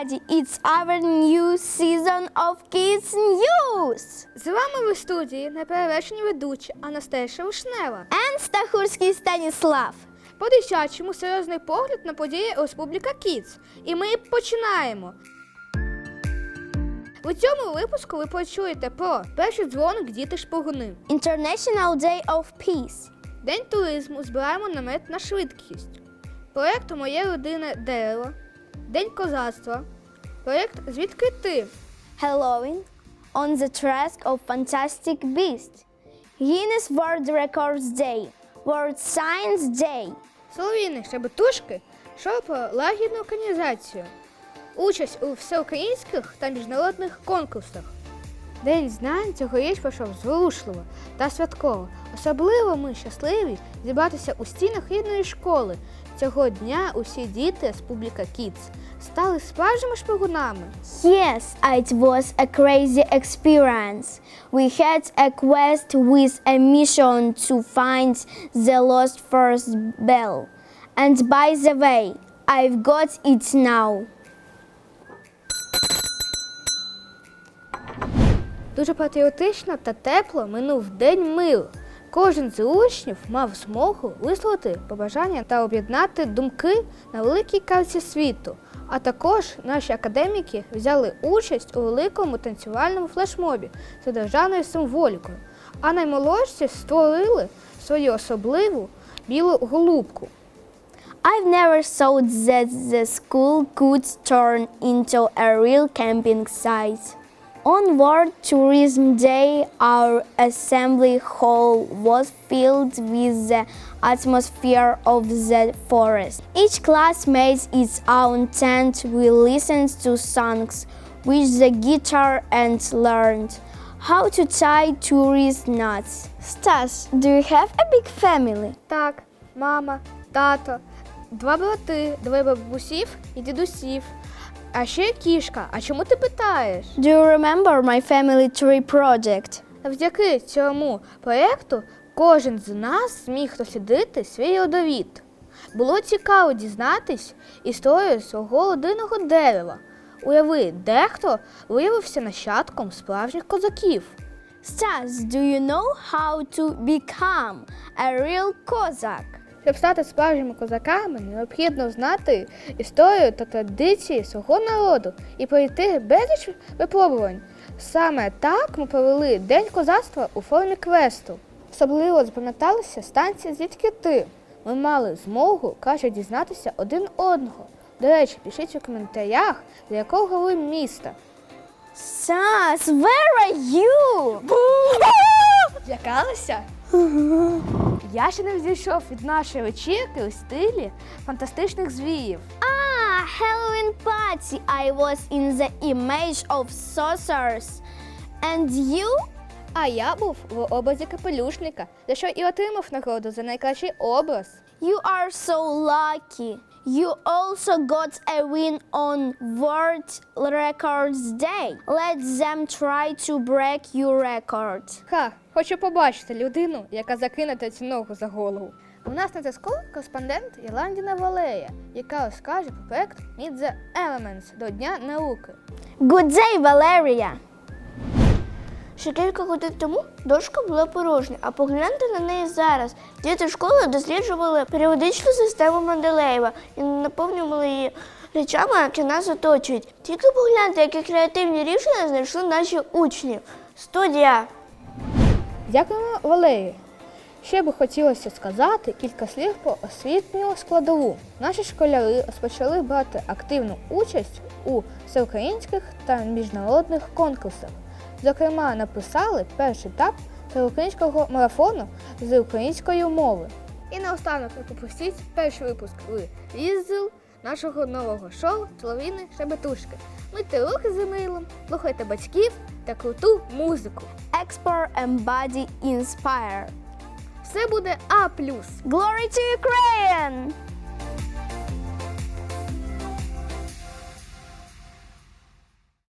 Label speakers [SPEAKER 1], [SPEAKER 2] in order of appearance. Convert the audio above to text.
[SPEAKER 1] everybody! It's our new season of Kids News!
[SPEAKER 2] З вами в студії неперевершені ведучі Анастасія Вишнева
[SPEAKER 1] And Стахурський Станіслав.
[SPEAKER 2] По-дитячому серйозний погляд на події Республіка Kids. І ми починаємо! У цьому випуску ви почуєте про перший дзвоник діти-шпигуни,
[SPEAKER 1] International Day of Peace.
[SPEAKER 2] День туризму, збираємо намет на швидкість, проєкт «Моє родинне дерево», День козацтва, проєкт «Звідки ти?»,
[SPEAKER 1] Halloween. On the Track of Fantastic Beasts. Guinness World Records Day. World Science Day.
[SPEAKER 2] Солов'їни Шебетушки, шоу про лагідну організацію, участь у всеукраїнських та міжнародних конкурсах. День знань цьогоріч пройшов зворушливо та святково. Особливо ми щасливі зібратися у стінах рідної школи. Цього дня усі діти Республіка Kids стали справжніми шпигунами.
[SPEAKER 1] Yes, it was a crazy experience. We had a quest with a mission to find the lost first bell. And by the way, I've got it now.
[SPEAKER 2] Дуже патріотично та тепло минув День миру. Кожен з учнів мав змогу висловити побажання та об'єднати думки на великій карті світу. А також наші академіки взяли участь у великому танцювальному флешмобі з державною символікою. А наймолодші створили свою особливу білу голубку.
[SPEAKER 1] I've never thought that the school could turn into a real camping site. On World Tourism Day, our assembly hall was filled with the atmosphere of the forest. Each class made its own tent. We listened to songs with the guitar and learned how to tie tourist knots. Stas, do you have a big family?
[SPEAKER 2] Так, мама, тато, два брати, двоє бабусів і дідусів. А ще кішка. А чому ти питаєш?
[SPEAKER 1] Do you remember my family tree project?
[SPEAKER 2] Завдяки цьому проєкту кожен з нас зміг дослідити свій родовід. Було цікаво дізнатись історію свого родинного дерева. Уяви, дехто виявився нащадком справжніх козаків.
[SPEAKER 1] Stas, do you know how to become a real Cossack?
[SPEAKER 2] Щоб стати справжніми козаками, необхідно знати історію та традиції свого народу і пройти безліч випробувань. Саме так ми провели День козацтва у формі квесту. Особливо запам'яталися станції «Звідки ти?». Ми мали змогу краще дізнатися один одного. До речі, пишіть у коментарях, з якого ви міста.
[SPEAKER 1] Stas, where are you?
[SPEAKER 2] Злякалися? Я ще не зійшов від нашої вечірки у стилі фантастичних звірів.
[SPEAKER 1] Halloween party. I was in the image of saucers. And you?
[SPEAKER 2] А я був в образі капелюшника, за що і отримав нагороду за найкращий образ.
[SPEAKER 1] You are so lucky. You also got a win on World Records Day. Let them try to break your record.
[SPEAKER 2] Хочу побачити людину, яка закине цю ногу за голову. У нас на зв'язку кореспондент Ірландіна Валерія, яка розкаже про проєкт Meet the Elements до Дня науки.
[SPEAKER 1] Good day, Valeria.
[SPEAKER 3] Ще кілька годин тому дошка була порожня, а погляньте на неї зараз. Діти школи досліджували періодичну систему Менделеєва і наповнювали її речами, які нас оточують. Тільки погляньте, які креативні рішення знайшли наші учні. Студія!
[SPEAKER 2] Дякуємо, Валерії. Ще би хотілося сказати кілька слів про освітню складову. Наші школяри розпочали брати активну участь у всеукраїнських та міжнародних конкурсах. Зокрема, написали перший етап всеукраїнського марафону з української мови. І наостанок не пропустіть перший випуск «Різдл» нашого нового шоу «Солов'їни Шебетушки». Мийте руки за милом, слухайте батьків та круту музику.
[SPEAKER 1] Explore and body inspire.
[SPEAKER 2] Все буде А+.
[SPEAKER 1] Glory to Ukraine!